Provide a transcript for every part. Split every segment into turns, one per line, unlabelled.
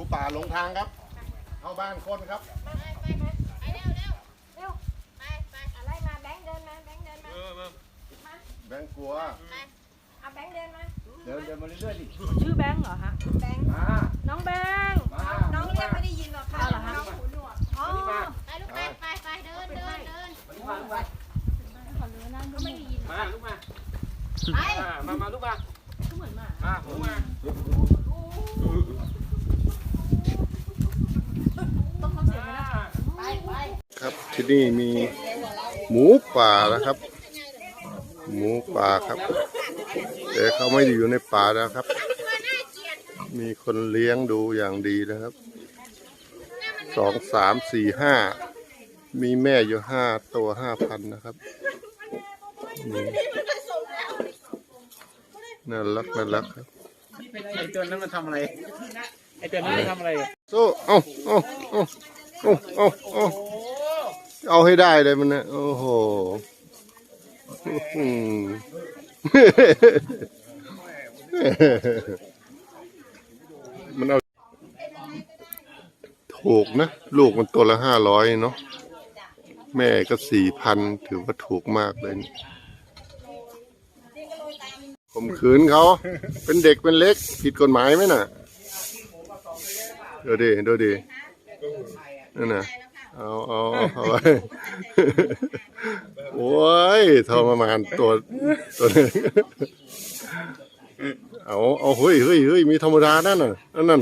ป่าหลงทางครับเข้าบ้านคนครับ
ไปเร็วไปอะไรมาแบงค์เดินมาแบงค์เดินมา
แบงค์กลัว
เอาแบงค์เดินมา
เดินมาเรื่อยๆดิ
ชื่อแบงค์เหรอฮะ
แบงค์
น้องแบงค์
น้องเรียกไม่ได้ยินหรอกค่ะน้องหูหนวก
อ๋อ
ไปลูกไปเดิน
มาลูกมามาลูกมา
เหมือนหมา
ลูกมา
ต้องทำเสียงนะ
ไป
ครับที่นี่มีหมูป่านะครับ หมูป่าครับแต่เขาไม่ได้อยู่ในป่านะครับ มีคนเลี้ยงดูอย่างดีนะครับ2 3 4 5มีแม่อยู่5 ตัว 5,000นะครับน่ารักครับ
ไอตัวนั้นมันทำอะไรไอตัวนั้นมันทำอะไร
โซ่เอาให้ได้เลยมันนะโอ้โหมันเอาถูกนะลูกมันตัวละ500เนาะแม่ก็4,000ถือว่าถูกมากเลยข่มขืนเขาเป็นเด็กเป็นเล็กผิดกฎหมายไหมน่ะดูดินั่นน่ะเอาไว้โอ้ยทรมานตัวนึงเอาเฮ้ยมีธรรมดานั่นน่ะนั่น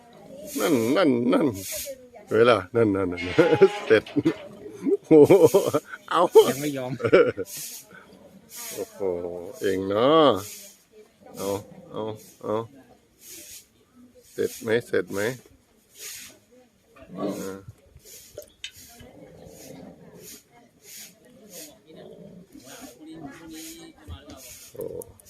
เวลานั่นเสร็จโอ้เอา
ยังไม่ยอม
โอ้โหเองเนาะเอาเสร็จไหม